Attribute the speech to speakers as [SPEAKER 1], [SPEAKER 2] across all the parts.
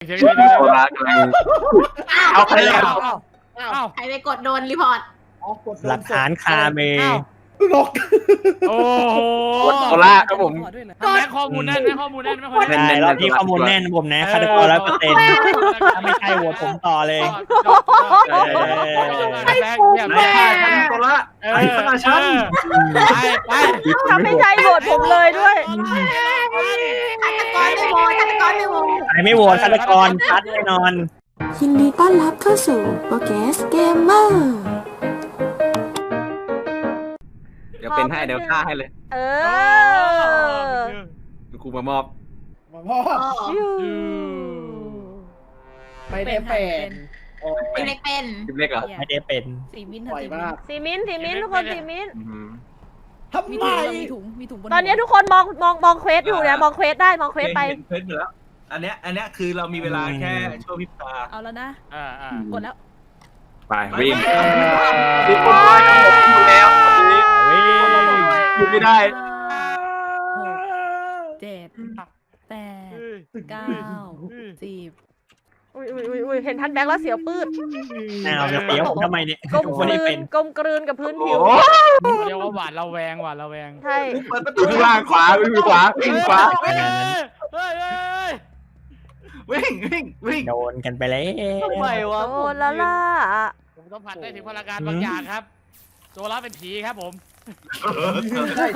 [SPEAKER 1] สียง
[SPEAKER 2] โซล่ากำลังเอาใครแล้ว
[SPEAKER 3] ใครไปกดโดนรีพอร์ต
[SPEAKER 4] หลักฐานคาเม
[SPEAKER 5] นก
[SPEAKER 1] โอ้โห
[SPEAKER 2] โซล่าครับผม
[SPEAKER 1] แม่ข้อมูลแน่นแม่ข้อมูลแน่นไม่ค่อย
[SPEAKER 4] ใช่รอบนี้ข้อมูลแน่นผมนะฆาตกร100%ถ้าไม่ใช่โหวตผมต่อเลย
[SPEAKER 2] โซล่าไอ้สนาชัน
[SPEAKER 1] ไป
[SPEAKER 6] ถ้าไม่ใช่โหวตผมเลยด้วย
[SPEAKER 3] ฆาตกรไม่โหวตฆาตกรไม่โหวต
[SPEAKER 4] ใครไม่โหวตฆาตกรชัดแน่นอน
[SPEAKER 7] ยินดีต้อนรับเข้าสู่โปรแกสเกมเมอร์
[SPEAKER 2] เดี๋ยวเป็นให้เดี๋ยวฆ่าให้เลย
[SPEAKER 6] เออ
[SPEAKER 2] กูมามอบ
[SPEAKER 5] มาพ่อ ไม่ได้เป็น
[SPEAKER 3] เป็นเล็กเป็น
[SPEAKER 2] คลิปเล็กเหรอ
[SPEAKER 4] ไม่ได้เป็น
[SPEAKER 8] สีมิ้น
[SPEAKER 5] ปล่อยมาก
[SPEAKER 6] สีมิ้นทุกคนสีมิ้น
[SPEAKER 5] ทำ
[SPEAKER 8] มี
[SPEAKER 5] ไม
[SPEAKER 8] ถุงมีถุงบน
[SPEAKER 6] ตอนนี้ทุกคนมองเควสอยู่นะมองเควสได้มองเควสไป
[SPEAKER 9] เห็นเควสอยู่แล้ว อันเนี้ยคือเรามีเวลาแค่ชั่วพริบตา
[SPEAKER 8] เอาแล้วนะ
[SPEAKER 1] ก
[SPEAKER 8] กดแล้ว
[SPEAKER 2] ไปวิ่ง
[SPEAKER 9] วิ่ง
[SPEAKER 2] อยู่แล้วอยู่ไม่ได้
[SPEAKER 8] 7 8 9 10
[SPEAKER 6] อุ้ยเห็นท่านแบงค์แล้วเสียวปืด
[SPEAKER 4] อ้าวจะเสียวผมทำไมเนี่ย
[SPEAKER 6] กลม
[SPEAKER 4] ผม
[SPEAKER 6] ก
[SPEAKER 4] ไม่
[SPEAKER 6] ลื
[SPEAKER 4] ได้เป็น
[SPEAKER 6] นกลมกลืนกับพื้นผิว
[SPEAKER 1] เรียกว่าหวาดระแวงหวาดระแวง
[SPEAKER 6] ใช่
[SPEAKER 2] อยู่ข้างล่างขวาวิ่งขวาวิ่งขวา
[SPEAKER 1] เฮ้ย
[SPEAKER 9] วิ่ง
[SPEAKER 4] โดนกันไปแล้ว
[SPEAKER 8] ทำไมวะ
[SPEAKER 6] โดนแล้วล่ะ
[SPEAKER 1] ผมต้องผัดได้ถึงพลังงานบางอย่างครับโซล่าเป็นผีครับผม
[SPEAKER 5] ใช่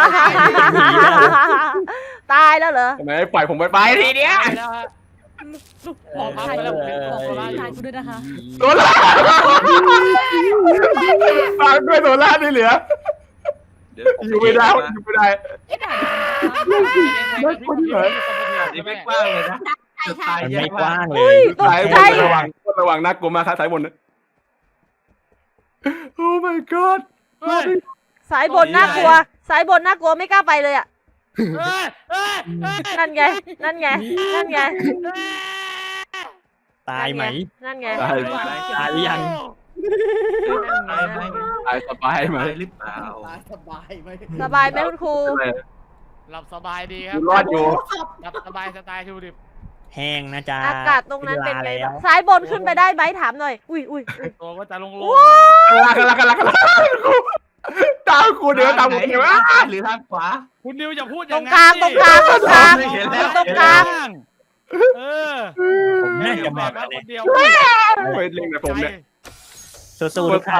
[SPEAKER 6] ตายแล้วเหรอ
[SPEAKER 2] ทำไมปล่อยผมไปทีเดียว
[SPEAKER 1] แล้วฮะพอพักไปแล้วผมเป็นโซล่า
[SPEAKER 8] ทายกูด้วยนะคะ
[SPEAKER 2] โซล่าฟังด้วยโซล่าที่เหลืออยู่ไม่ได้อยู่ไม่ได้
[SPEAKER 9] นี่ไม่กว้างเลยนะ
[SPEAKER 3] ใช่ใช่
[SPEAKER 4] มันไม่กว้างเลย
[SPEAKER 6] ตก
[SPEAKER 2] สายบ
[SPEAKER 6] ใจ
[SPEAKER 2] นระวังน่ากลัวมากครับสายบนโอ้ my god
[SPEAKER 6] สายบนน่ากลัวสายบนน่ากลัวไม่กล้าไปเลยอ่ะนั่นไง
[SPEAKER 4] ตายไหม
[SPEAKER 6] นั่นไง
[SPEAKER 2] ตาย
[SPEAKER 4] ตายหรือยัง
[SPEAKER 2] ตายสบายไหม
[SPEAKER 9] หรือเปล่า
[SPEAKER 5] สบายไหม
[SPEAKER 6] สบายไหมคุณครู
[SPEAKER 1] หลับสบายดีครับ
[SPEAKER 2] รอดอยู่
[SPEAKER 1] หลับสบายสไตล์ทูดิบ
[SPEAKER 4] แห้งนะจ๊ะ
[SPEAKER 6] อากาศตรงนั้นเป็นไง
[SPEAKER 4] แล้ว
[SPEAKER 6] สายบนขึ้นไปได้ไหมถามหน่อยอุ้ย
[SPEAKER 1] ตัวก็จะลง
[SPEAKER 2] กันตามกูเดี๋ยวตามกูเดี๋ยว
[SPEAKER 9] หรือทางขวา
[SPEAKER 1] คุณนิวอย่าพูดอ
[SPEAKER 6] ตร
[SPEAKER 1] ย่าง
[SPEAKER 6] ง
[SPEAKER 1] นั้น
[SPEAKER 6] กลางตรงกลางตรงกลาง
[SPEAKER 9] เห็นแล้ว
[SPEAKER 6] ตรงกลาง
[SPEAKER 4] ผมน่าจะ
[SPEAKER 1] แบ
[SPEAKER 4] มา
[SPEAKER 1] บ
[SPEAKER 4] แล้ว
[SPEAKER 1] ค
[SPEAKER 4] เนี่ย
[SPEAKER 1] นเดียว
[SPEAKER 2] ไปเล่นกับผมเนี่ย
[SPEAKER 4] สู้ๆทุกท่าน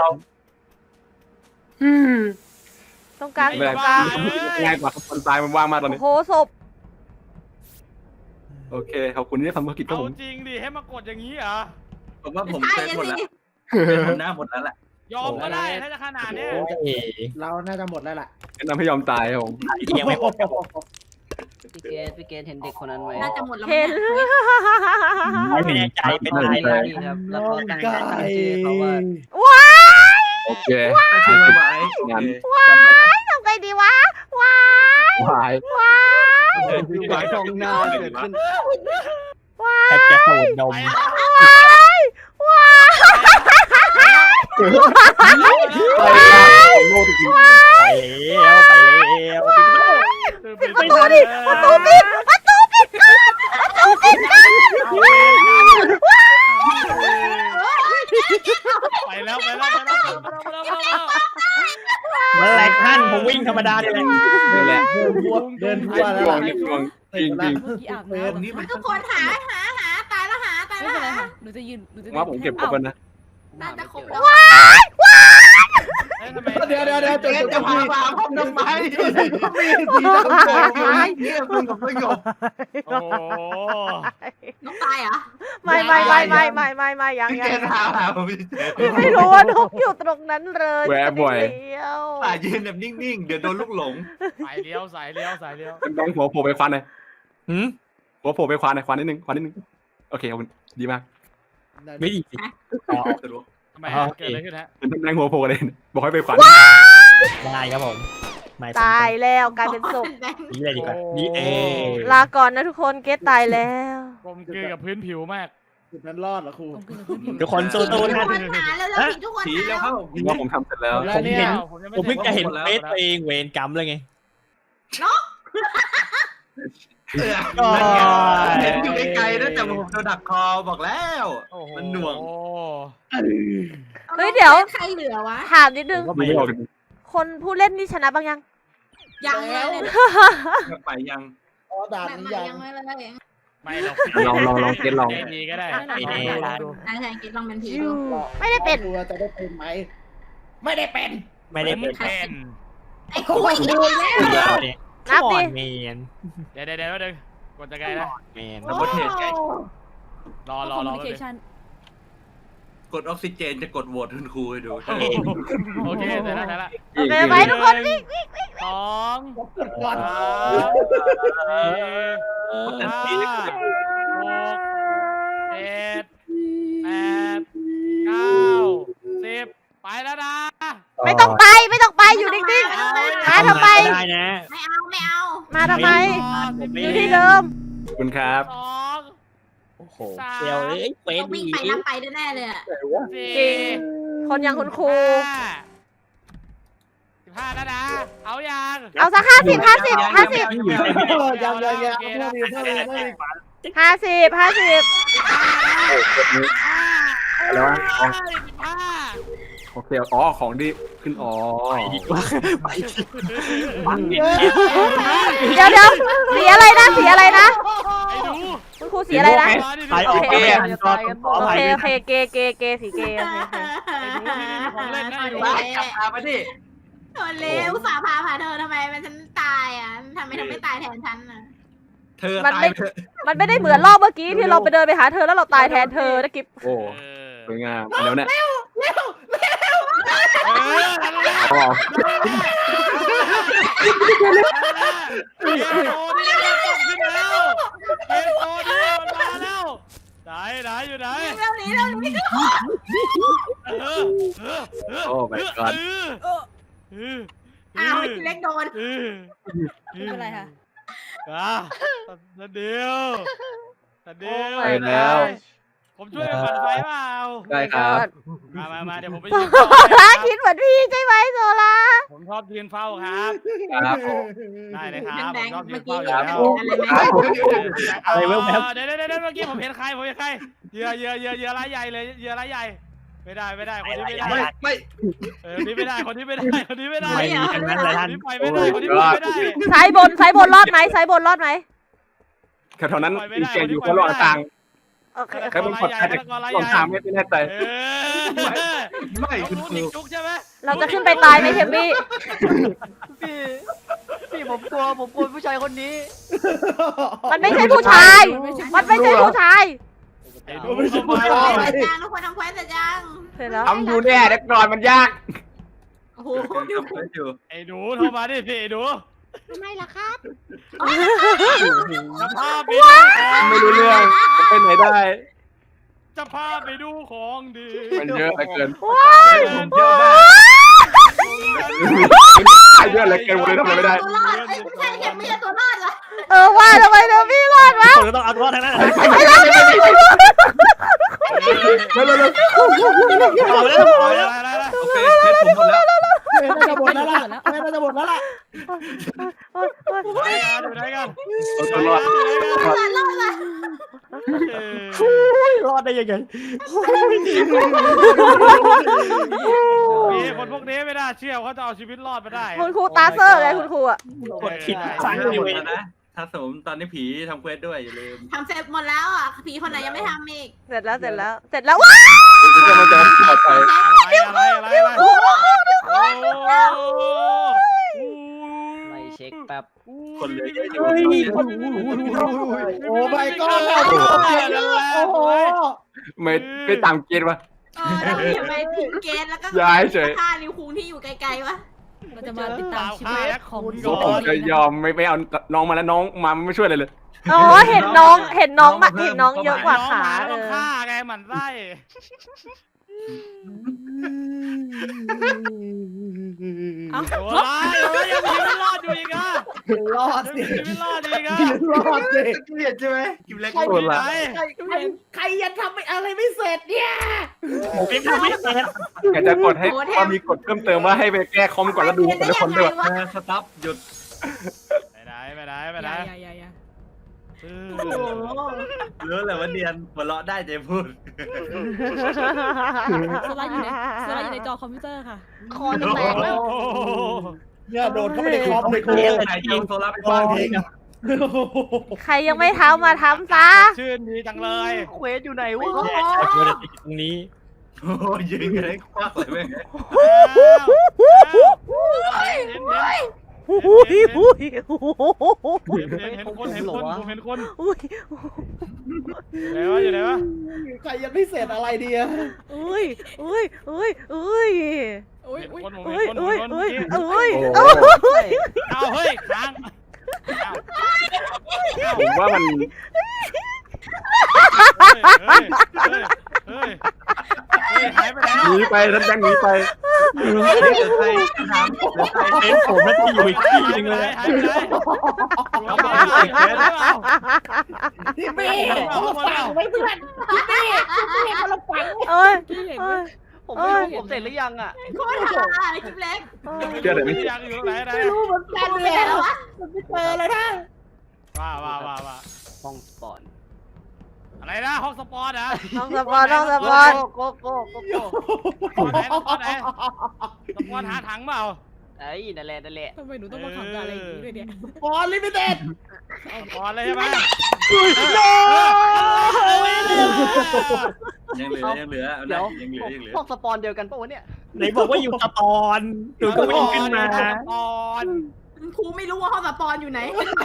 [SPEAKER 6] ตรงกลาง
[SPEAKER 2] ไม่เป็นไร
[SPEAKER 6] ตรงกลาง
[SPEAKER 2] ง่ายกว่าคนตายมันว่างมากตอน
[SPEAKER 6] โอ้
[SPEAKER 2] นี้
[SPEAKER 6] โหศพ
[SPEAKER 2] โอเคขอบคุณที่ทำภารกิจครับ
[SPEAKER 1] เอา
[SPEAKER 2] ผม
[SPEAKER 1] จริงดิให้มากดอย่างนี้เหรอ
[SPEAKER 9] ผมว่าผม
[SPEAKER 3] ใช่
[SPEAKER 9] เป็นหมด
[SPEAKER 3] สิ
[SPEAKER 9] แล้วเป็นหมดหน้าหมดแล้วแหละ
[SPEAKER 1] ยอมก็ได้ถ้าจะขนาดเนี้ย
[SPEAKER 4] โอ้ย
[SPEAKER 5] เราน่าจะหมดแล้วล่ะ
[SPEAKER 2] แนะนำให้ยอมตายครับผม
[SPEAKER 4] ยังไม่หมดครับผม
[SPEAKER 10] พี่เกดเห็นเด็กคนนั้นไหม
[SPEAKER 3] น่าจะหมดแล้ว
[SPEAKER 6] เห็น
[SPEAKER 4] ไม่แน่ใจเป็นอะไร
[SPEAKER 10] ใช่
[SPEAKER 4] นะ
[SPEAKER 10] ครับ แล้วก็ตั้งชื่อเขาว่า
[SPEAKER 2] โอเค
[SPEAKER 9] ถ้าชื่อไว้
[SPEAKER 2] งั้น
[SPEAKER 9] จำไว้นะ
[SPEAKER 6] ทำไงดีวะว้าย
[SPEAKER 2] วาย
[SPEAKER 10] ดูไว้ตรงหน้าเกิดขึ้น
[SPEAKER 4] แทบจะสูดดม
[SPEAKER 2] โง่จริง
[SPEAKER 4] ไปแล้วไปแล้ว
[SPEAKER 6] ประตูดิประตูปิดประตูปิด
[SPEAKER 1] ไปแล้ว
[SPEAKER 4] เมื่อไรท่านผมวิ่งธรรมดาเนี่ยแหละ
[SPEAKER 2] นี่แหละ
[SPEAKER 5] เดินทั่วแล้ว
[SPEAKER 2] ดว
[SPEAKER 5] ล่ะ
[SPEAKER 2] งนี่ดวงจริงจริง
[SPEAKER 8] เมื่อกี้อาบน้ำ
[SPEAKER 9] นี่มัน
[SPEAKER 3] ทุกคนหาตายแล้วตาย
[SPEAKER 8] ไม่
[SPEAKER 3] แล้ว
[SPEAKER 8] เป็นไรค่ะหนูจะยืน
[SPEAKER 2] ว่าผมเก็บครบแล้วนะ
[SPEAKER 3] น่าจะครบแล้ว
[SPEAKER 5] เดี๋ยว
[SPEAKER 9] เจ๊จะพามาพร้อมทำไมเนี่ยมึงกับประโยค
[SPEAKER 1] โอ้
[SPEAKER 3] นกตายเหรอ
[SPEAKER 6] ไม่ยัง
[SPEAKER 9] เจ๊พามาผม
[SPEAKER 6] ไม่รู้ว่านกอยู่ตรงนั้นเลย
[SPEAKER 2] แวะบ่อย
[SPEAKER 6] เดียว
[SPEAKER 9] ป่ายืนแบบนิ่งๆเดี๋ยวโดนลูกหลง
[SPEAKER 1] สายเลี้ยว
[SPEAKER 2] เป็นแบงค์หัวโผล่ไปควันหน่อยหัวโผล่ไปควันหน่อยควันนิดนึงโอเคขอบคุณดีมาก
[SPEAKER 4] ไม่ดีสิ
[SPEAKER 1] ทำไมเกิดอะไรขึ้นฮะ
[SPEAKER 2] เป็นแบงค์หัวโผล่เลยบอกให้ไปควัน
[SPEAKER 4] ได้ครับผมไม่
[SPEAKER 6] ตายแล้วกลายเป็นศพ
[SPEAKER 4] นี่เลยดีกว่านี่เอง
[SPEAKER 6] ลาก่อนนะทุกคนเกตตายแล้ว
[SPEAKER 1] กลมกลืนกับพื้นผิวมาก
[SPEAKER 5] จุดนั้นรอดเหรอครู
[SPEAKER 4] ทุกคนสู้ๆ
[SPEAKER 3] ทุก
[SPEAKER 4] นะ
[SPEAKER 3] คนหาแล้วผิดทุกคน
[SPEAKER 9] ผี
[SPEAKER 3] หา
[SPEAKER 9] แล้
[SPEAKER 3] แล้ว ว
[SPEAKER 9] เข้า
[SPEAKER 2] ว่าผมทำเสร็จแล้ว
[SPEAKER 4] ผมเห็น
[SPEAKER 1] ผมยังไม่
[SPEAKER 4] ผมเพิ่งจะเห็นเฟซตัวเองเวรกรรมเลยไง
[SPEAKER 9] นั่นไงเห็นอยู่ไกลๆนะแต่ผมโดนดักคอบอกแล้ว มันหน่วง
[SPEAKER 6] เฮ้ยเดี๋ยว
[SPEAKER 3] ใครเหลือวะ
[SPEAKER 6] ถามนิดนึง
[SPEAKER 2] ดูไม่ออก
[SPEAKER 6] คนผู้เล่นนี่ชนะบ้างยัง
[SPEAKER 3] ยังเลย
[SPEAKER 9] ไปยัง
[SPEAKER 5] อ๋อด่าน
[SPEAKER 3] แบบ
[SPEAKER 5] นี้
[SPEAKER 3] ไหน
[SPEAKER 5] ยัง
[SPEAKER 3] ยังไม่เลย
[SPEAKER 1] ไม่เรา
[SPEAKER 2] ลองเก็ตลอง
[SPEAKER 1] ดีก็ได้
[SPEAKER 3] ใช่กินลองเป็นผีดู
[SPEAKER 6] ไม่ได้เป็น
[SPEAKER 5] ตัวจะได้เป็นไหมไม่ได้เป็น
[SPEAKER 4] ไม่ได้เป็น
[SPEAKER 1] เป็น
[SPEAKER 3] ไอ้คุยอีกแล้ว
[SPEAKER 6] นับดิ
[SPEAKER 4] เมน
[SPEAKER 1] เดี๋ยวเดี๋ยวกดจะไงนะ
[SPEAKER 4] เมน
[SPEAKER 9] ดับเบิลเทสไง
[SPEAKER 1] รอ
[SPEAKER 8] คอมมิวนิเคชัน
[SPEAKER 9] กดออกซิเจนจะกดโหวตคุณครูให้ดู
[SPEAKER 1] โอเคเสร็จแล้ว
[SPEAKER 6] โอเคไหมทุกคนวิ่ง
[SPEAKER 1] สอง
[SPEAKER 5] ก่อน
[SPEAKER 1] สามสี่ห้าหกเจ็ดแปดเก้าสิบไปแล้วนะ
[SPEAKER 6] ไม่ต้องไปอยู่นิ่งๆมาทำไม
[SPEAKER 4] ได้นะ
[SPEAKER 3] ไม่เอา
[SPEAKER 6] มาทำไม
[SPEAKER 1] 11
[SPEAKER 6] อยู่ที่เดิม
[SPEAKER 2] ขอบคุณครับ
[SPEAKER 1] สอง
[SPEAKER 4] โอ้โหเดี๋ยวเอ้ยเฟส
[SPEAKER 3] วิ่ง
[SPEAKER 4] ดี
[SPEAKER 3] ไปนับไปแน่เลยอ่ะ
[SPEAKER 1] สี่
[SPEAKER 6] จริง คนอย่างคุณครู
[SPEAKER 1] 15แล้วนะเอายัง
[SPEAKER 6] เอาสัก50
[SPEAKER 5] ยังยังเพิ่มอีกเพิ่มอีก
[SPEAKER 2] แล้ววะ
[SPEAKER 1] 15
[SPEAKER 2] โอเคอ๋อของที่ขึ้นอ๋อ
[SPEAKER 4] ดีกว่าไปฟังดิ
[SPEAKER 6] เดี๋ยวสีอะไรนะ
[SPEAKER 1] ไอ้หนู
[SPEAKER 6] คุณครูสีอะไรนะ
[SPEAKER 4] ไปโอเคขอ
[SPEAKER 6] โอ
[SPEAKER 4] ไป
[SPEAKER 6] เคเกสีเกโอเค
[SPEAKER 1] ไอ้หนูที่นี่มีของเล่นนะไอ้หนู
[SPEAKER 9] ไปกลับมาปะดิ
[SPEAKER 3] โดนเลวสาพาเธอทำไมมันฉันตายอ่ะทำไมเธอไม่ตายแทนฉันอ่ะ
[SPEAKER 9] เธอ
[SPEAKER 6] มัน
[SPEAKER 9] ตาย
[SPEAKER 6] ไม่
[SPEAKER 9] เถอะ
[SPEAKER 6] มันไม่ได้เหมือนรอบเมื่อกี้ที่เราไปเดินไปหาเธอแล้วเราตายแทนเธอนะกิฟ
[SPEAKER 2] โอ้สวยงามแล้วเนี่ย
[SPEAKER 1] เออ
[SPEAKER 2] อ๋อ
[SPEAKER 1] เกมโตนี่มันต้องขึ้นแล้วเกมโตนี่มันมาแล้วไหนอยู่ไหน
[SPEAKER 3] เรื่องนี้
[SPEAKER 2] โอ้ my god
[SPEAKER 3] อ้าวเล็กโดน
[SPEAKER 8] อะไรคะ
[SPEAKER 1] ตาเดียว
[SPEAKER 2] ไปแล้ว
[SPEAKER 1] ผมช่วยกันปั่นไฟเปล่า
[SPEAKER 2] ได้ครับ
[SPEAKER 1] มาเดี๋ยวผมไป
[SPEAKER 6] โซ
[SPEAKER 1] ยืนเฝ้า
[SPEAKER 6] ล่า
[SPEAKER 1] ให้
[SPEAKER 6] คิดเหมือนพี่ใช่ไหมโซล่า
[SPEAKER 1] ผมชอบยืนเฝ้าครับ
[SPEAKER 2] ครับผม
[SPEAKER 1] ได้เลยครับ
[SPEAKER 3] แบ
[SPEAKER 1] ผม
[SPEAKER 3] งค์
[SPEAKER 1] ชอบยื
[SPEAKER 3] เมื่
[SPEAKER 1] น
[SPEAKER 3] อกี้
[SPEAKER 1] เฝ้าอยู่
[SPEAKER 3] เห็น
[SPEAKER 1] แล้ว
[SPEAKER 3] อะไรไหม
[SPEAKER 4] อะไรแว๊บ
[SPEAKER 1] เดี๋ยวเมื่อกี้ผมเห็นใครเหยื่อรายใหญ่เลยเหยื่อรายใหญ่ไม่ได้คนนี้ไม่ได้
[SPEAKER 9] ไม่
[SPEAKER 1] คนนี้ไม่ได้คนนี้ไม่ได้
[SPEAKER 4] ไม่มีทั้งนั้นเลย
[SPEAKER 1] ค
[SPEAKER 4] ท่าน น
[SPEAKER 1] นี้ไปไม่ได้คนนี้ไปไม่ได้
[SPEAKER 6] ซ้ายบนรอดไหมซ้ายบนรอดไหม
[SPEAKER 2] แถวนั้นมีแกอยู่คนรอดต่าง
[SPEAKER 6] โอเค
[SPEAKER 2] ใครบนขอดใครลองทางไม่แน่ใจ
[SPEAKER 9] ไม่
[SPEAKER 1] คุ
[SPEAKER 9] คุณ ณครู
[SPEAKER 1] ติดจุกใช่ไหม
[SPEAKER 6] เราจะขึ้นไปตายไหมเทมมี่
[SPEAKER 10] พี่ผมกลัวผู้ชายคนนี้
[SPEAKER 6] มันไม่ใช่ผู้ชาย มันไม่ใช่ผู้ชาย
[SPEAKER 1] ไอ้ดูเข้ามา
[SPEAKER 3] ทุกคนทำเควสเสร็จยัง
[SPEAKER 6] เสร็จแล้ว
[SPEAKER 2] ทำอยู่แน่เด็กนอนมันยาก
[SPEAKER 3] โอ้โห
[SPEAKER 9] อยู่
[SPEAKER 1] ไอ้ดูเข้ามาดิพี่ไอ้ดู
[SPEAKER 3] ทำไมล่ะครับ
[SPEAKER 1] จะพาไป
[SPEAKER 2] ไม่รู้เรื่องไปไหนได้
[SPEAKER 1] จะพาไปดูของดี
[SPEAKER 2] มันเยอะเหลือเกิน
[SPEAKER 6] ว้าย
[SPEAKER 9] เยอะมาก
[SPEAKER 2] เยอะเหลือเกินเลยทำอะไรไม่ได้
[SPEAKER 3] ตัวรอดไม่ใช่เห็นไม่ใช่ตัวรอดเหรอ
[SPEAKER 6] ว่าทำไมเทมมี่รอดวะ
[SPEAKER 4] คนก็ต้องเอาตัวทั้งนั้น
[SPEAKER 2] เร็ว
[SPEAKER 4] เอาแล้ว
[SPEAKER 9] โอเคเทสผมหมดแล้ว
[SPEAKER 5] น่าจะหมดแล้วล่ะน่าจะหมดแล้วล่ะ
[SPEAKER 1] ไหนกัน
[SPEAKER 2] เอาตัวรอด
[SPEAKER 4] รอดได้ยังไง
[SPEAKER 1] นี่คนพวกนี้ไม่น่าเชื่อเขาจะเอาชีวิตรอดมาได้
[SPEAKER 6] คุณครูตาเซอร์ไงคุณครูอ่ะ
[SPEAKER 4] กดผิด
[SPEAKER 9] ใช่
[SPEAKER 4] สั่ง
[SPEAKER 9] ห
[SPEAKER 4] อยู่
[SPEAKER 9] มดแล้วนะถ้าสมตอนนี้ผีทำเควสด้วยอย่าลืม
[SPEAKER 3] ทำเสร็จหมดแล้วอ่ะผีคนไหนยังไม่ทำอีก
[SPEAKER 6] เสร็จแล้วว้า
[SPEAKER 2] มันจะปลอดภัย
[SPEAKER 1] อะไร
[SPEAKER 10] ไม่เช็คแป๊บ
[SPEAKER 9] คนเหลือเยอะอยู่
[SPEAKER 5] โอ้ my god โอ้โห
[SPEAKER 2] ไม่ตามเกณฑ์วะ
[SPEAKER 3] เราอย่าไปทิ้งเกณฑ์แล้วก็
[SPEAKER 2] ย้ายเฉย
[SPEAKER 3] ฆ่านิวคุงที่อยู่ไกลๆวะ
[SPEAKER 8] เราจะมาติดตามชีวิตของ
[SPEAKER 2] ผมจะยอมไม่เอาน้องมาแล้วน้องมาไม่ช่วยเลย
[SPEAKER 6] อ๋อเห็นน้องเยอะกว่าขา
[SPEAKER 1] ต้องฆ่าไงหมันไส้
[SPEAKER 8] เอา
[SPEAKER 1] โอ้ยยังมีชีวิตรอดอยู่อีกอ่ะ
[SPEAKER 5] รอด
[SPEAKER 1] ยัง
[SPEAKER 5] สิ
[SPEAKER 1] มีชีวิตรอดอีกอ่ะ
[SPEAKER 5] รอดสิ
[SPEAKER 9] เกลียดใช่ไหมกิมเล็ก
[SPEAKER 1] ใครที่ไหน
[SPEAKER 5] ใครยังทำอะไรไม่เสร็จเนี่ย
[SPEAKER 4] ไม่ทำไม่เป็น
[SPEAKER 2] อยากจะกดให้ว่ามีกดเพิ่มเติมว่าให้ไปแก้คอมก่อนแล้วดูแต่ละคนด้วย
[SPEAKER 9] สต็อปหยุด
[SPEAKER 1] ไม่ได้
[SPEAKER 8] อย่า
[SPEAKER 3] โอ้โห
[SPEAKER 9] รู้แหละว่าเนียนหัวเราะได้ใจพูด
[SPEAKER 8] สไลด์อยู่ในจอคอมพิวเตอร์ค่ะ
[SPEAKER 5] คอจะแตกแล้ว
[SPEAKER 1] โอ้โห
[SPEAKER 5] เนี่ยโดนเข้าไปในคอมเลยครู
[SPEAKER 9] ใครจะเอาโซล่าไปฟังเพลง
[SPEAKER 6] ใครยังไม่ทำมาทำซะ
[SPEAKER 1] ชื่นดีจังเลย
[SPEAKER 10] เควสอยู่ไหนวะ
[SPEAKER 4] แย่ไอ้ตัวเด็กตรงนี้
[SPEAKER 9] โอ้ยยืนกันให้ควักเลยแม่ง
[SPEAKER 6] อุ้ยอุ้ย
[SPEAKER 1] เห็นคนผมเห็นคน
[SPEAKER 6] อุ้ย
[SPEAKER 1] อยู่ไหนวะ
[SPEAKER 5] ใครยังไม่เสร็จอะไรดีอะ
[SPEAKER 6] อุ้ยอุ้ยอุ้ยอุ้ย
[SPEAKER 8] อุ้ย
[SPEAKER 1] เห็น
[SPEAKER 8] อุ้ย
[SPEAKER 1] คนผม
[SPEAKER 6] อุ้
[SPEAKER 1] เห็
[SPEAKER 6] ย
[SPEAKER 1] นคน
[SPEAKER 6] อุ้ย
[SPEAKER 1] คน
[SPEAKER 6] อุ้ย
[SPEAKER 1] เมื่อกี้
[SPEAKER 6] อุ้ย
[SPEAKER 2] โอ้
[SPEAKER 1] เอาเฮ้ยค้าง
[SPEAKER 2] ผมว่ามัน
[SPEAKER 1] เฮ้ยหายไปแล้ว
[SPEAKER 2] หนีไปท่านแบงค์หนีไป
[SPEAKER 9] เดี๋ยวใครถามเดี๋ยวใคร
[SPEAKER 4] เป็นผมน่าจะอยู่อีกที่หนึงเลย
[SPEAKER 1] หายไปไหนเราไปเอา
[SPEAKER 5] พี่เมย์คนละฝั่งไว้เพื่อนพี่เมย์คนละฝั่ง
[SPEAKER 6] เอ้ย
[SPEAKER 8] พี่เห็น
[SPEAKER 6] เอ้
[SPEAKER 8] ไหม
[SPEAKER 6] ย
[SPEAKER 10] ผมไม่รู้ผมเสร็จหรือยังอ่ะ
[SPEAKER 3] โคตรหาอะไรคลิปเล็ก
[SPEAKER 2] เชื่อเลยไหม
[SPEAKER 1] ยังอยู่ไหน
[SPEAKER 5] ไม่รู้เหมือนกัน
[SPEAKER 3] ไป
[SPEAKER 5] เลย
[SPEAKER 3] ไหนแล้ววะ
[SPEAKER 5] มันไม่เจอเลยนะ
[SPEAKER 1] ว่า
[SPEAKER 10] ห้องสปอน
[SPEAKER 1] อะไรนะห้องสปอร์ตนะ
[SPEAKER 6] น้องสปอนน้องสปอน
[SPEAKER 10] โก้โก้โก้โก้
[SPEAKER 1] สปอร์ตไหนสปอร์ตหาถังเปล่า
[SPEAKER 10] ไอ้นั่นแหละนั่นแหละ
[SPEAKER 8] ทำไมหนูต้องมาขังกับอะไรอย่างนี้ด้วยเนี่ย
[SPEAKER 5] บอลลิมิเต็ด
[SPEAKER 1] สปอร์ตเลยใช่ไหม
[SPEAKER 9] ยังเหลือเอาหน่อยยังเหลือ
[SPEAKER 10] พวกสปอนเดียวกันปะวะเนี่ย
[SPEAKER 4] ไหนบอกว่าอยู่สปอนดูก็วิ่งขึ้นมา
[SPEAKER 1] สปอร์ต
[SPEAKER 3] ครูไม่รู้ว่าห้องสปอนอยู่ไหน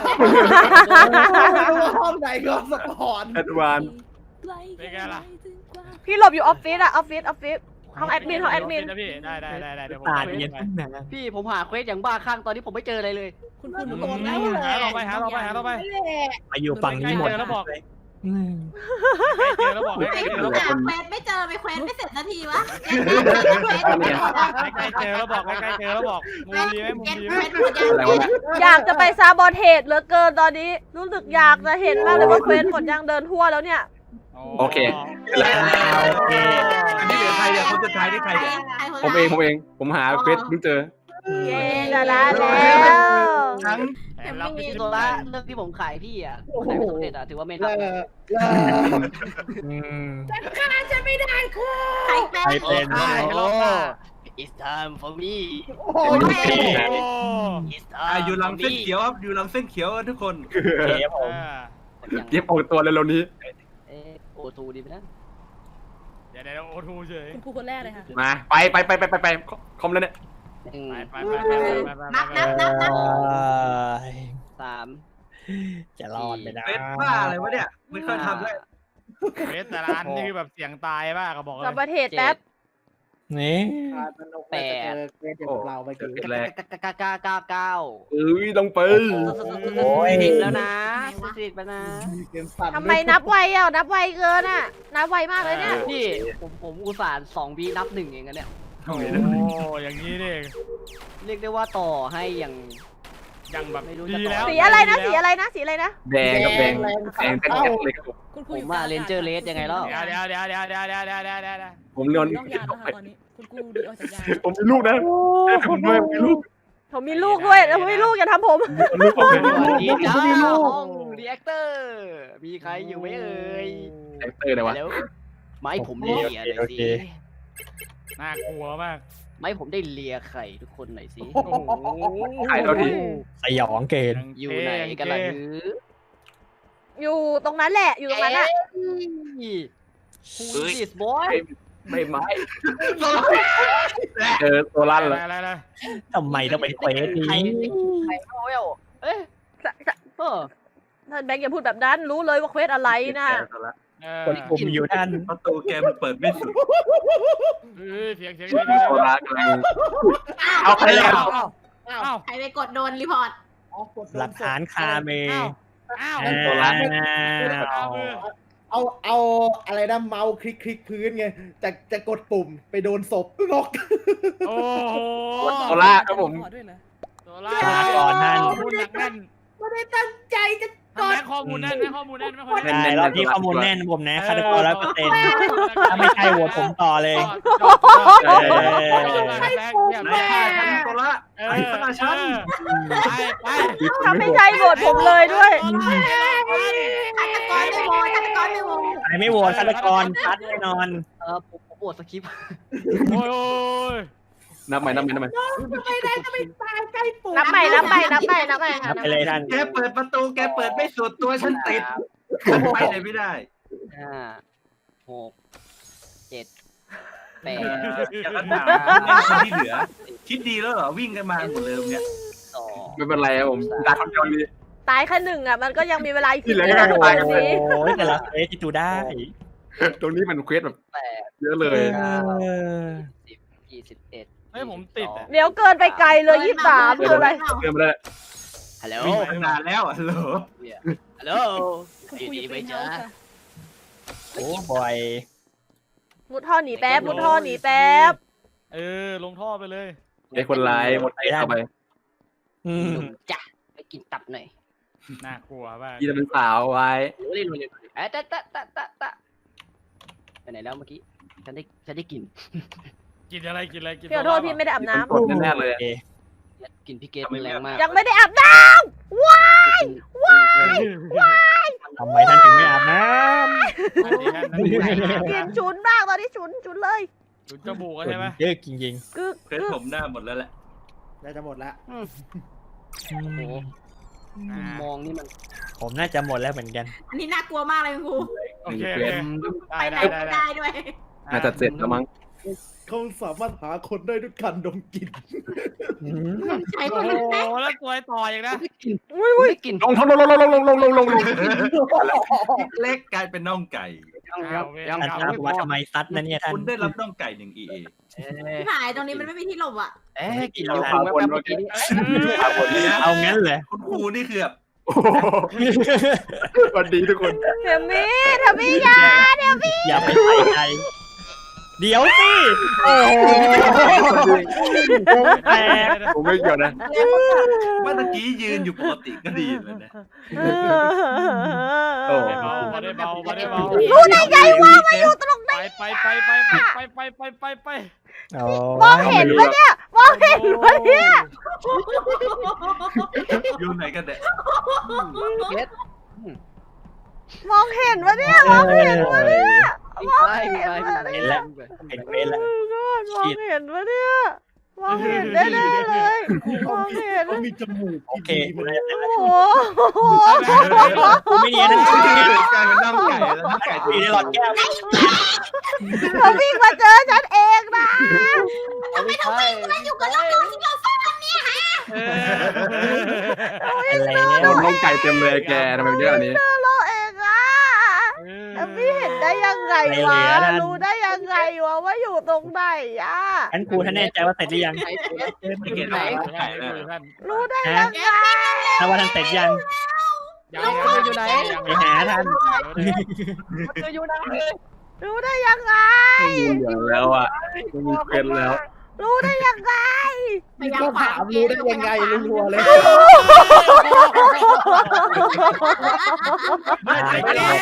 [SPEAKER 5] ไม่รู้ว่าห้องไหนก็สปอน
[SPEAKER 2] แอดวาน
[SPEAKER 1] เป็นไงล่ะ
[SPEAKER 6] พี่หลบอยู่ออฟฟิศอะออฟฟิศห้องแอดมินห้องแอดมิน
[SPEAKER 1] นะพี่ได้เดี๋ยวผม
[SPEAKER 4] ตา
[SPEAKER 1] ไป
[SPEAKER 4] เย็นขึ้นนะ
[SPEAKER 10] พี่ผมหาเควสอย่างบ้าคลั่งตอนนี้ผมไม่เจออะไรเลย
[SPEAKER 8] คุณครูหนู
[SPEAKER 5] โด
[SPEAKER 8] ตก
[SPEAKER 5] น
[SPEAKER 8] แล้
[SPEAKER 5] แล้ว ว
[SPEAKER 8] อะ
[SPEAKER 1] หาเราไป
[SPEAKER 4] มาอยู่ฝั่งนี้หมด
[SPEAKER 1] แล้วบอก
[SPEAKER 4] อืม
[SPEAKER 1] เจอแล้วบอก
[SPEAKER 3] ไป
[SPEAKER 1] ใกล้เจอ
[SPEAKER 3] หา
[SPEAKER 1] แล้วบอก
[SPEAKER 3] เควสไม่เจอไปเควสไม่เสร็จนาทีวะ
[SPEAKER 1] ใกล้เจอแล้วบอกใกล้เจอแล้วบอกมุมดีไหมมุม
[SPEAKER 3] เก็ต
[SPEAKER 1] ดี
[SPEAKER 3] เคว
[SPEAKER 1] ไหม
[SPEAKER 3] สหมดยัง
[SPEAKER 2] อะไรวะเนี่ย
[SPEAKER 6] อยากจะไปซาบอเทสเหลือเกินตอนนี้ รู้สึกอยากจะเห็นมากเลยว่าเควสหมดยังเดินทั่วแล้วเนี่ย
[SPEAKER 2] โอเค
[SPEAKER 4] โอเค
[SPEAKER 9] อันนี้เหลือใครเนี่ยคนสุดท้ายนี่ใครเนี่ย
[SPEAKER 2] ผมเองผมหาเควสเพิ่งเจอ
[SPEAKER 6] เย้ชนะแล้ว
[SPEAKER 9] ทั้ง
[SPEAKER 1] รับไป
[SPEAKER 10] พี่
[SPEAKER 1] ที่
[SPEAKER 10] โซ
[SPEAKER 1] ตัว
[SPEAKER 10] ล่า
[SPEAKER 1] ละ
[SPEAKER 10] เรื่องที่ผมขายพี่อ่ะขายไม่สำเร็จอ่ะถือว่าไม่
[SPEAKER 5] เลิ
[SPEAKER 10] ทำ
[SPEAKER 5] กเลิก
[SPEAKER 4] อืม
[SPEAKER 5] จะไม่ได้ครู
[SPEAKER 3] ใครเป็น
[SPEAKER 4] ใครเป็น
[SPEAKER 10] โอ้
[SPEAKER 1] รอบหน้า
[SPEAKER 10] It's time for me
[SPEAKER 5] โอ้โห
[SPEAKER 10] It's
[SPEAKER 9] อยู่
[SPEAKER 10] time
[SPEAKER 9] ลำเส้นเขียวครับอยู่ลำเส้นเขียวทุกคน
[SPEAKER 4] โอเคผม
[SPEAKER 2] เก็บออกตัวเร็วๆนี้
[SPEAKER 10] โอทูดีไหมนะ
[SPEAKER 1] เดี๋ยวโอทูเฉย
[SPEAKER 8] คุณครูคนแรกเลยค่ะ
[SPEAKER 2] มาไปคอมแล้วเนี่ย
[SPEAKER 1] ไป
[SPEAKER 3] นับ
[SPEAKER 10] สาม
[SPEAKER 4] จะรอดเลยนะ
[SPEAKER 9] เฟสบ้าอะไรวะเนี่ยไม่เคยทำเลย
[SPEAKER 1] เวสแต่ละอันนี่คือแบบเสียงตายป่ะก็บอกเล
[SPEAKER 6] ซาย บอเทสแป๊บ
[SPEAKER 4] นี่
[SPEAKER 5] แปดเจอเราไปกี่
[SPEAKER 2] แรก
[SPEAKER 10] เก้า
[SPEAKER 2] ต้องไป
[SPEAKER 4] โอ้ย
[SPEAKER 10] สิบแล้วนะสิบแล้วนะ
[SPEAKER 5] เกมสั่น
[SPEAKER 6] ทำไมนับไวอ่ะนับไวเกินอ่ะนับไวมากเลยเนี่ย
[SPEAKER 10] พี่ผมอุตส่าห์2 วินับ 1เองอะเนี่ย
[SPEAKER 1] โอ้อย่างนี้นี่
[SPEAKER 10] เรียกได้ว่าต่อให้อย่าง
[SPEAKER 1] ยังแบบ
[SPEAKER 10] ไม่รู้จะ
[SPEAKER 1] ดีแล้ว
[SPEAKER 6] สีอะไรนะสีอะไรนะสีอะไรนะ
[SPEAKER 2] แดงกับแดงแดงเลยครับผม
[SPEAKER 8] คุณค
[SPEAKER 10] ผ
[SPEAKER 8] รูอ
[SPEAKER 10] ม
[SPEAKER 8] ยู่
[SPEAKER 10] ว่าเลนเจอร์เลสยังไงแล้ว
[SPEAKER 1] เดี๋ยว
[SPEAKER 2] ผมนอน
[SPEAKER 8] นอกยานแล้วค่ะตอนนี้คุณครูดีออกจากยาน
[SPEAKER 2] ผมมีลูกนะผมด้วยมีลูก
[SPEAKER 6] ผมมีลูกด้วยแล้วผมมีลูกอย่าทำผม
[SPEAKER 2] ลูกผมเป็น
[SPEAKER 10] สวัสดีครับห้องรีแอคเตอร์มีใครอยู่ไหมเอ่ย
[SPEAKER 2] แอคเตอร์เลยวะ
[SPEAKER 10] แล้วไม้ผมได้เลียหน่อยสิ
[SPEAKER 1] น่ากลัวมาก
[SPEAKER 10] ไม้ผมได้เลียไข่ทุกคนหน่อยสิ
[SPEAKER 1] โอ้โห
[SPEAKER 2] ถ่ายเราที
[SPEAKER 4] สยองเกณฑ์
[SPEAKER 10] อยู่ไหนกันล่ะหรือ
[SPEAKER 6] อยู่ตรงนั้นแหละอยู่ตรงนั้นอ่ะ
[SPEAKER 10] Who is this boy
[SPEAKER 2] ไม่ไม้เจอตัวลั่นเลย
[SPEAKER 1] อะไร
[SPEAKER 4] ทำไมต้องเป็นเควส
[SPEAKER 10] ใคร
[SPEAKER 4] นี้
[SPEAKER 10] ใครเข้าเวลเอ๊ะเออ
[SPEAKER 6] ท่านแบงค์อย่าพูดแบบนั้นรู้เลยว่าเควสอะไรนะ
[SPEAKER 4] คนกลุ่มอยู่ท่าน
[SPEAKER 9] ประตูแกมันเปิดไม่สุด
[SPEAKER 1] เสียง
[SPEAKER 2] โซลากำลังเอาไปแล้ว
[SPEAKER 1] อ้าว
[SPEAKER 3] ใครไปกดโดนรีพอร์ต
[SPEAKER 4] หลักฐานคาเม
[SPEAKER 1] อ้าว
[SPEAKER 5] เอาอะไรนะเมาส์คลิกพื้นไงจะกดปุ่มไปโดนศพนก
[SPEAKER 1] โอ้โห
[SPEAKER 2] โซล่าครับผม
[SPEAKER 8] ด้วยเหรอ
[SPEAKER 1] โซล่าพูดหนักแน่น
[SPEAKER 5] ไม่ได้ตั้งใจจะ
[SPEAKER 3] กด
[SPEAKER 1] แม่ข้อมูลแน่นแม่ข้อมูลแน่นไม่ค่อย
[SPEAKER 4] ได้รอบนี้ข้อมูลแน่นผมนะฆาตกร100%ถ้าไม่ใช่โหวตผมต่อเลย
[SPEAKER 9] นายฆ่าฉันโซล่าไอ้ฆ่าฉัน
[SPEAKER 1] ไป
[SPEAKER 6] ถ้าไม่ใช่โหวตผมเลยด้วย
[SPEAKER 3] ฆาตกรไม่โหวตฆาตกรไม่โหวต
[SPEAKER 4] ใครไม่โหวตฆาตกรชัดแน่นอน
[SPEAKER 10] ผมโหวตสคริปต์
[SPEAKER 1] โอ้ย
[SPEAKER 2] นับใหม่
[SPEAKER 5] ทำไมได้จะไปตายใกล้ปุ่ม
[SPEAKER 6] นับใหม่นับใหม่นับใหม่นับใหม่
[SPEAKER 4] นับไปเลยท่าน
[SPEAKER 9] แกเปิดประตูแกเปิดไม่สุดตัวฉันติดฉันไปไหนไม่ได้
[SPEAKER 10] 5 6 7 8
[SPEAKER 9] จะถามคนที่เหลือ คิดดีแล้วเหรอวิ่งกันมาหมดเลยเนี่ย
[SPEAKER 10] 2
[SPEAKER 2] ไม่เป็นไรครับผมดักคนเดียวเลย
[SPEAKER 6] ตายแค่หนึ่งอ่ะมันก็ยังมีเวลาอีก
[SPEAKER 2] ที่เหลือก็
[SPEAKER 6] 10
[SPEAKER 2] ตายกัน
[SPEAKER 6] ต
[SPEAKER 2] ไป
[SPEAKER 6] รงนี้
[SPEAKER 4] โอ้ยแต่ละเฟสที่ดูได้
[SPEAKER 2] ตรงนี้มันเควสแบบ
[SPEAKER 10] 8
[SPEAKER 2] เยอะเลย
[SPEAKER 10] 10 21
[SPEAKER 1] เฮ้ยผมติดอ่ะ
[SPEAKER 6] เดี๋ยวเกินไปไกลเลย23คืออะไร
[SPEAKER 2] เริ่มมาได้
[SPEAKER 10] ฮัลโหล
[SPEAKER 9] วิ่งมาตั้งนานแล้วฮัลโหล
[SPEAKER 10] ฮัลโหล
[SPEAKER 8] คุณ
[SPEAKER 10] อยู่
[SPEAKER 8] ครูอ
[SPEAKER 10] ดี
[SPEAKER 8] ยู่
[SPEAKER 10] ไหม
[SPEAKER 8] เป็นเฮา
[SPEAKER 10] จ๊ะ
[SPEAKER 8] ส์ค่ะ
[SPEAKER 4] โอ้บอย
[SPEAKER 6] มุดท่อหนีแป๊บมุดท่อหนีแป๊บ
[SPEAKER 1] ลงท่อไปเลย
[SPEAKER 2] ไอ้คนร้ายหมดไปเข้าไป
[SPEAKER 4] อื
[SPEAKER 10] ห
[SPEAKER 4] ม
[SPEAKER 10] นุ่มจ้ะไปกินตับหน่อย
[SPEAKER 1] น่ากลัวมาก
[SPEAKER 2] ที่จะเป็นสาวไว้
[SPEAKER 10] เล่นตะไปไหนแล้วเมื่อกี้ฉันได้กิน
[SPEAKER 1] กินอะไรกินอะไรกิน
[SPEAKER 6] พี่ขอโทษพี่ไม่ได้อาบน้ำ
[SPEAKER 2] กดแน่ๆเลย
[SPEAKER 4] โอเค
[SPEAKER 10] กินพี่เกตมันแรงมาก
[SPEAKER 6] ยังไม่ได้อาบน้
[SPEAKER 4] ทำไมท่านถึงไม่อาบน้
[SPEAKER 6] ำกินฉุนมากตอนนี้ฉุนเลย
[SPEAKER 1] จุดจมูก
[SPEAKER 4] ำ
[SPEAKER 1] ใช่ไหม
[SPEAKER 4] เยอะจริง
[SPEAKER 6] กึก
[SPEAKER 9] เคยผมหน้าหมดแล้วแหละ
[SPEAKER 5] น่าจะหมดละ
[SPEAKER 4] ๆ
[SPEAKER 10] โอ้โหมองนี่มัน
[SPEAKER 4] ผมน่าจะหมดแล้วเหมือนกัน
[SPEAKER 3] อันนี้น่ากลัวมากเลยคุณครู
[SPEAKER 1] โอเค
[SPEAKER 2] เควส
[SPEAKER 3] ไปไหนไม่ได้ด้วย
[SPEAKER 2] น่าจะเสร็จแล้วมั้ง
[SPEAKER 5] เขาสามารถหาคนได้ด้วยการดมกลิ่น
[SPEAKER 3] ใช้
[SPEAKER 1] โอ้
[SPEAKER 3] คน
[SPEAKER 1] โห
[SPEAKER 3] แรก
[SPEAKER 1] แล้วตัวต่ออีกนะ
[SPEAKER 10] ไม่กิน
[SPEAKER 2] ลงลง
[SPEAKER 9] เล็กกลายเป็นน่องไก่
[SPEAKER 10] ยัง
[SPEAKER 4] ท่านทราบว่าทำไมซัดนั่นเนี่ยท่าน
[SPEAKER 9] คุณได้รับน่องไก่1 EA
[SPEAKER 3] ที่หายตรงนี้มันไม่มีที่หลบอ่ะ
[SPEAKER 10] กินแล้วคุณแป๊บเมื่อกี้นี้
[SPEAKER 4] เอางั้นเลย
[SPEAKER 9] คุณครูนี่คือแบบ
[SPEAKER 2] สวัสดีทุกคน
[SPEAKER 6] เทมมี่ยา
[SPEAKER 4] อย่าไปใส่ใจเดี๋ยวสิโอ้โหแตก
[SPEAKER 2] ผมไม่เกี่ยวนะ
[SPEAKER 9] เมื่อตะกี้ยืนอยู่ปกติก็ดีเลยนะ
[SPEAKER 2] โอ้
[SPEAKER 1] มาได้เบามาได้เบา
[SPEAKER 6] รู้ได้ไงว่ามาอยู่ตรงไหน
[SPEAKER 1] ไป
[SPEAKER 6] มองเห็นปะเนี่ยมองเห็นปะเนี่ย
[SPEAKER 9] อยู่ไหนกันเนี่ย
[SPEAKER 10] เกต
[SPEAKER 6] มองเห็นปะเนี่ยมองเห็นปะเนี่ย
[SPEAKER 4] เห็นแล้วเห็นเฟซแล้ว
[SPEAKER 6] มองเห็นปะเนี่ยมองเห็นได้เลยมองเห็น
[SPEAKER 5] เขามีจมูก
[SPEAKER 4] โอเค
[SPEAKER 5] ที่ดีมัน
[SPEAKER 6] โอ้โห
[SPEAKER 4] ไม่เนียนนะ
[SPEAKER 9] กลายเป็นน่องไก่แล้วน่องไก่
[SPEAKER 4] มีในหลอดแก้ว
[SPEAKER 6] เขาวิ่งมาเจอฉันเองนะ
[SPEAKER 10] ไม่ใช่
[SPEAKER 3] อยู่กับเราที่เราซ่อนเนี่ยฮะ
[SPEAKER 4] อะไร
[SPEAKER 2] โดนน้องไก่เต็มเลยแกทำไมเยอะอันนี้
[SPEAKER 6] เราเองอ่ะแต่พี่เห็นได้ยังไงวะรู้ได้ยังไงวะว่าอยู่ตรงไหนอ่ะ
[SPEAKER 4] อันครูท่านแน่ใจว่าเสร็จหรือยัง
[SPEAKER 9] ไม่เก็ตว่าน่องไก่แล้ว
[SPEAKER 6] รู้ได้
[SPEAKER 4] ฮะ
[SPEAKER 6] ยังไง
[SPEAKER 4] ถ้าว่าท่านเสร็จยัง
[SPEAKER 10] อยู่ไหน
[SPEAKER 4] ไปหาท่าน
[SPEAKER 10] อยู่ไหน
[SPEAKER 6] รู้ได้ยังไง
[SPEAKER 2] ไม่มีเหลือแล้วอ่ะไม่มีเควสแล้ว
[SPEAKER 6] รู้ได้ยังไง
[SPEAKER 5] นี่ก็ถามรู้ได้ยังไงรัวๆเลย
[SPEAKER 4] หายไปแล้ว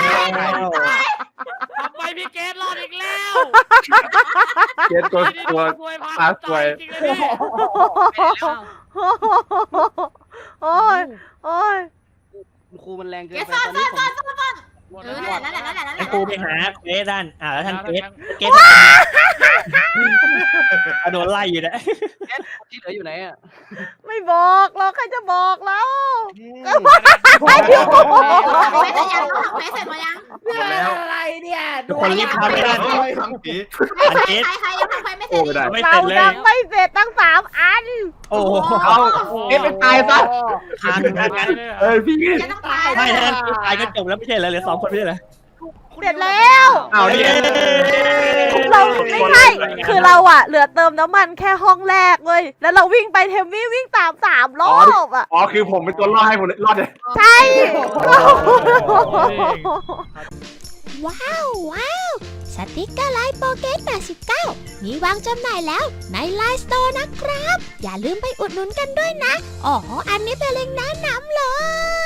[SPEAKER 1] ทำไมพี่เกดรอดอีกแล้ว
[SPEAKER 2] เควสตัวตาสวย
[SPEAKER 1] จริงเลยพี่
[SPEAKER 6] โอ้ยโอ้ย
[SPEAKER 10] ครูมันแรงเกิน
[SPEAKER 3] เก
[SPEAKER 10] ไป
[SPEAKER 3] ซ่อน
[SPEAKER 10] ตอนนี้ผม
[SPEAKER 3] นั่นแหละนั่นแหละนั่นแห
[SPEAKER 4] อัน
[SPEAKER 3] ละ
[SPEAKER 4] ครูไปหาเกรซท่านแล้วท่านเกรซโดนไล่อยู่นะ
[SPEAKER 10] ที่เหลืออยู่ไหนอ่ะ
[SPEAKER 6] ไม่บอกหรอกใครจะบอกแล้ว
[SPEAKER 3] เควสเสร็จยังเควสเสร็จมายัง
[SPEAKER 9] หมดแล้ว
[SPEAKER 5] อะไรเนี่ย
[SPEAKER 4] ทุกคนรีบทำให้ได้
[SPEAKER 9] โอ้ยทำผี
[SPEAKER 3] ใครยังทำเควสไม่เส
[SPEAKER 2] โอ้
[SPEAKER 3] ร็จ
[SPEAKER 2] ไม่ได้อีก
[SPEAKER 4] ไม่เสร็จเลย
[SPEAKER 6] เรายังไม่เสร็จตั้ง3 อัน
[SPEAKER 4] โอ้โห
[SPEAKER 2] เอาเอ๊ะไปตายซะ
[SPEAKER 4] ทางกัน
[SPEAKER 2] เอ้ยพี่
[SPEAKER 3] จะต้องตาย
[SPEAKER 4] ไม่ท่านตายก็จบแล้วไม่ใช่เหรอเหลือ2 คนไม่ใช่เหรอ
[SPEAKER 6] เสร็จแล้ว
[SPEAKER 2] เอาเนี่ย
[SPEAKER 6] เราไม่ใช่คือเราอะเหลือเติมน้ำมันแค่ห้องแรกเลยแล้วเราวิ่งไปเทมมี่วิ่งตาม3 รอบอะ
[SPEAKER 2] อ๋อคือผมเป็นตัวรอดให้ผมรอดเลย
[SPEAKER 6] ใช่
[SPEAKER 7] ว้าวสติกเกอร์ไลน์โปเกต89มีวางจำหน่ายแล้วในไลน์สโตร์นะครับ อย่าลืมไปอุดหนุนกันด้วยนะ อ๋อ อันนี้เป็นเล็งก์แนะนำเลย